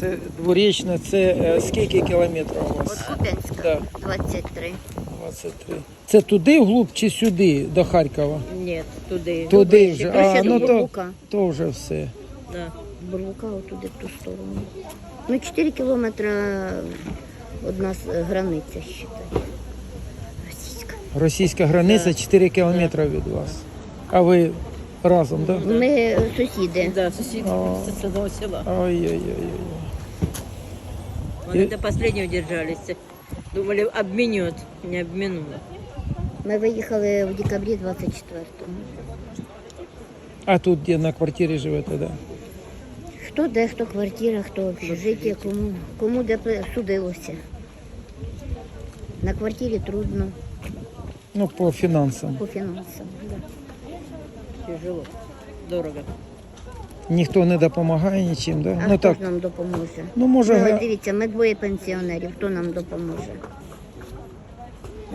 Це дворічне, це скільки кілометрів у От вас? Куп'янська, Да. 23. 23. Це туди вглуб чи сюди, до Харкова? Нет, туди. Туди вже. Ближче Ну до то, Бурлука. то вже все. Да. Бурлука отуди в ту сторону. Ну, 4 кілометри від нас границя, считай. Російська. Російська границя 4 кілометри від вас. А ви разом, так? Да? Ми сусіди. Да, сусід з одного села. Ой-ой-ой. Вони до последнего держались. Думали, обменет. Не обминула. Ми виїхали в декабрі 24-го. А тут де на квартирі живете, так? Да? Хто де, хто квартира, хто общежиття, кому де судилося. На квартирі трудно, Ну, по фінансам. по фінансам. Да. Тяжело. Дорого. Ніхто не допомагає нічим, да? А Ну хто так. ж нам допоможе? Ну, може, Ну, от дивіться, ми двоє пенсіонерів, хто нам допоможе?